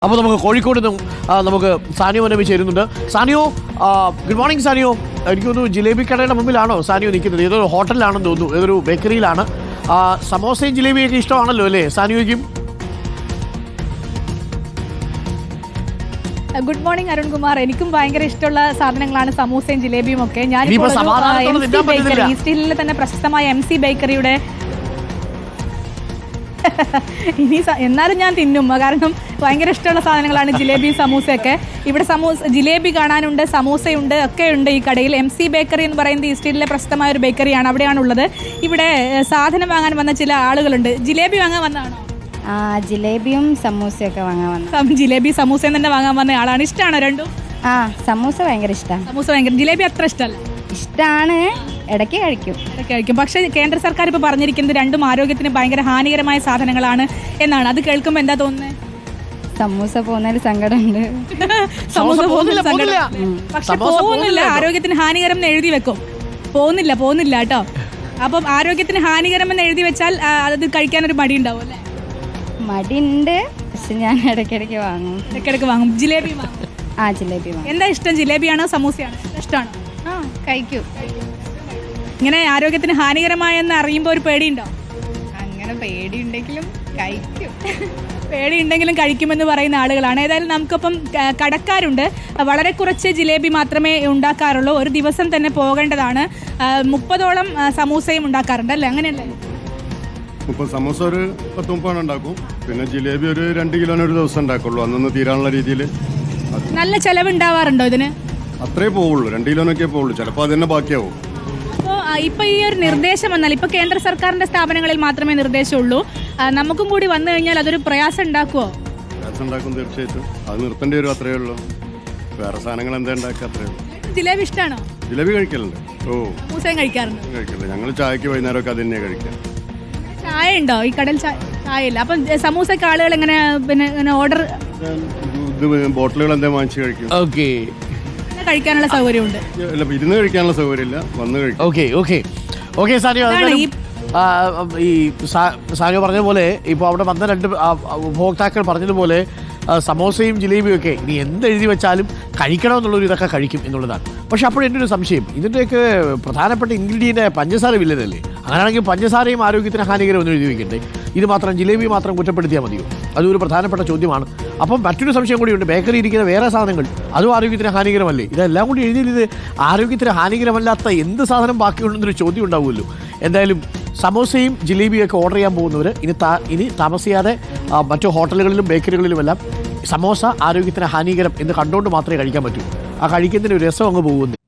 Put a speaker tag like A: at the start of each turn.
A: അപ്പോൾ നമുക്ക് കോഴിക്കോട് നിന്നും നമുക്ക് സാനിയോ മനവി ചേരുന്നുണ്ട്. Saniyo, good morning Saniyo. എനിക്ക് തോന്നുന്നു ജിലേബി കടയുടെ മുമ്പിലാണോ സാനിയോ നിൽക്കുന്നത്? ഏതൊരു ഹോട്ടലിലാണെന്ന് തോന്നുന്നു, ഏതൊരു ബേക്കറിയിലാണ്. സമോസയും ജിലേബിയൊക്കെ ഇഷ്ടമാണല്ലോ അല്ലേ സാനിയോയ്ക്കും?
B: Good morning Arunkumar. എനിക്കും ഭയങ്കര ഇഷ്ടമുള്ള സാധനങ്ങളാണ് സമൂസയും ജിലേബിയും ഒക്കെ. ഞാൻ ഈസ്റ്റിലെ തന്നെ പ്രശസ്തമായ MC ബേക്കറിയുടെ ഇനി എന്നാലും ഞാൻ തിന്നും, കാരണം ഭയങ്കര ഇഷ്ടമുള്ള സാധനങ്ങളാണ് ജിലേബിയും സമൂസയൊക്കെ. ഇവിടെ ജിലേബി കാണാനുണ്ട്, സമൂസയുണ്ട്, ഒക്കെ ഉണ്ട് ഈ കടയിൽ. MC ബേക്കറി എന്ന് പറയുന്നത് ഈസ്റ്റിലെ പ്രശസ്തമായ ഒരു ബേക്കറിയാണ്, അവിടെയാണുള്ളത്. ഇവിടെ സാധനം വാങ്ങാൻ വന്ന ചില ആളുകളുണ്ട്. ജിലേബി വാങ്ങാൻ വന്നതാണോ?
C: ജിലേബിയും സമൂസയൊക്കെ വാങ്ങാൻ വന്നു.
B: ജിലേബി സമൂസയും തന്നെ വാങ്ങാൻ വന്ന ആളാണ്. ഇഷ്ടമാണോ രണ്ടും?
C: സമൂസ ഭയങ്കര ഇഷ്ടമാണ്.
B: സമൂസ ഭയങ്കര, ജിലേബി അത്ര ഇഷ്ടമല്ല.
C: ഇഷ്ടമാണ്, ഇടയ്ക്ക് കഴിക്കും.
B: പക്ഷേ കേന്ദ്ര സർക്കാർ ഇപ്പോൾ പറഞ്ഞിരിക്കുന്നത് രണ്ടും ആരോഗ്യത്തിന് ഭയങ്കര ഹാനികരമായ സാധനങ്ങളാണ് എന്നാണ്. അത് കേൾക്കുമ്പോൾ എന്താ തോന്നുന്നത്?
C: സമൂസ പോകുന്നതിൽ സങ്കടമുണ്ട്.
B: സമൂസ പോകുന്നില്ല, പക്ഷെ പോകുന്നില്ല, ആരോഗ്യത്തിന് ഹാനികരം എന്ന് എഴുതി വെക്കും. പോകുന്നില്ല കേട്ടോ. അപ്പം ആരോഗ്യത്തിന് ഹാനികരം എന്ന് എഴുതി വെച്ചാൽ അത് കഴിക്കാനൊരു മടി ഉണ്ടാവും അല്ലേ?
C: മടിയുണ്ട്, പക്ഷെ ഞാൻ ഇടയ്ക്കിടയ്ക്ക് വാങ്ങും.
B: ജിലേബി വാങ്ങും?
C: ജിലേബി വാങ്ങും.
B: എന്താ ഇഷ്ടം, ജിലേബിയാണോ സമൂസയാണോ ഇഷ്ടമാണോ?
C: കഴിക്കും.
B: ഇങ്ങനെ ആരോഗ്യത്തിന് ഹാനികരമായെന്ന് അറിയുമ്പോൾ ഒരു പേടിയുണ്ടോ?
C: അങ്ങനെ പേടിയുണ്ടെങ്കിലും കഴിക്കും.
B: പേടിയുണ്ടെങ്കിലും കഴിക്കുമെന്ന് പറയുന്ന ആളുകളാണ്. ഏതായാലും നമുക്കിപ്പം കടക്കാരുണ്ട്. വളരെ കുറച്ച് ജിലേബി മാത്രമേ ഉണ്ടാക്കാറുള്ളൂ. ഒരു ദിവസം തന്നെ പോകേണ്ടതാണ്. 30ഓളം സമൂസയും ഉണ്ടാക്കാറുണ്ട് അല്ലേ? അങ്ങനെയല്ലേ?
D: സമൂസ ഒരു 10-30 ഉണ്ടാക്കും. പിന്നെ ജിലേബി ഒരു 2 കിലോന് ഒരു ദിവസം ഉണ്ടാക്കുള്ളൂ, അന്നൊന്ന് തീരാനുള്ള രീതിയിൽ.
B: നല്ല ചെലവ് ഉണ്ടാവാറുണ്ടോ ഇതിന്?
D: അത്രേ പോവുള്ളൂ, 2 കിലോനൊക്കെ പോവുള്ളൂ, ചിലപ്പോൾ അത് തന്നെ ബാക്കിയാവും.
B: അപ്പോൾ ഇപ്പോൾ ഈ ഒരു നിർദ്ദേശം വന്നാൽ, ഇപ്പോൾ കേന്ദ്ര സർക്കാരിൻ്റെ സ്ഥാപനങ്ങളിൽ മാത്രമേ നിർദ്ദേശമുള്ളൂ, നമുക്കും കൂടി വന്നു കഴിഞ്ഞാൽ അതൊരു പ്രയാസം ഉണ്ടാക്കുമോ?
D: പ്രയാസം ഉണ്ടാക്കും, തീർച്ചയായിട്ടും. അത് നിർത്തേണ്ടി വരും, അത്രയേ ഉള്ളൂ. വേറെ സാധനങ്ങൾ എന്താ ഉണ്ടാക്കുക, അത്രയേ ഉള്ളൂ.
B: ജിലേബി ഇഷ്ടമാണോ?
D: ജിലേബി കഴിക്കലുണ്ട്.
B: സമൂസയും കഴിക്കാറുണ്ട്?
D: കഴിക്കില്ല, ഞങ്ങൾ ചായക്ക് വൈകുന്നേരമൊക്കെ അത് തന്നെയാണ് കഴിക്കുക.
B: ചായ ഉണ്ടോ ഈ കടയിൽ? ചായ ഇല്ല. അപ്പം സമൂസക്ക് ആളുകൾ എങ്ങനെ പിന്നെ ഓർഡർ
D: ബോട്ടിലുകൾ എന്താ വാങ്ങിച്ച് കഴിക്കും?
A: ഓക്കെ,
B: കഴിക്കാനുള്ള സൗകര്യമുണ്ട്.
D: ഇരുന്ന് കഴിക്കാനുള്ള സൗകര്യമില്ല, വന്ന് കഴിക്കും.
A: ഓക്കെ സാനിയോ, ഈ സാനിയോ പറഞ്ഞ പോലെ ഇപ്പോൾ അവിടെ വന്ന 2 ഉപഭോക്താക്കൾ പറഞ്ഞതുപോലെ സമോസയും ജിലേബിയും ഒക്കെ ഇനി എന്തെഴുതി വെച്ചാലും കഴിക്കണമെന്നുള്ളൊരു ഇതൊക്കെ കഴിക്കും എന്നുള്ളതാണ്. പക്ഷെ അപ്പോൾ എൻ്റെ ഒരു സംശയം, ഇതിൻ്റെയൊക്കെ പ്രധാനപ്പെട്ട ഇൻഗ്രീഡിയൻ്റ് പഞ്ചസാര വില്ലതല്ലേ? അങ്ങനെയാണെങ്കിൽ പഞ്ചസാരയും ആരോഗ്യത്തിന് ഹാനികരമൊന്നും എഴുതി വെക്കണ്ടേ? ഇത് മാത്രം, ജിലേബി മാത്രം കുറ്റപ്പെടുത്തിയാൽ മതിയോ? അതൊരു പ്രധാനപ്പെട്ട ചോദ്യമാണ്. അപ്പം മറ്റൊരു സംശയം കൂടിയുണ്ട്, ബേക്കറി ഇരിക്കുന്ന വേറെ സാധനങ്ങൾ അതും ആരോഗ്യത്തിന് ഹാനികരമല്ലേ? ഇതെല്ലാം കൂടി എഴുതിയാൽ ഇത് ആരോഗ്യത്തിന് ഹാനികരമല്ലാത്ത എന്ത് സാധനം ബാക്കിയുണ്ടെന്നൊരു ചോദ്യം ഉണ്ടാവുമല്ലോ. എന്തായാലും സമോസയും ജിലേബിയും ഒക്കെ ഓർഡർ ചെയ്യാൻ പോകുന്നവർ ഇനി താമസിയാതെ മറ്റു ഹോട്ടലുകളിലും ബേക്കറികളിലുമെല്ലാം സമോസ ആരോഗ്യത്തിന് ഹാനികരം എന്ന് കണ്ടുകൊണ്ട് മാത്രമേ കഴിക്കാൻ പറ്റൂ. ആ കഴിക്കുന്നതിന് ഒരു രസം അങ്ങ് പോകുന്നു.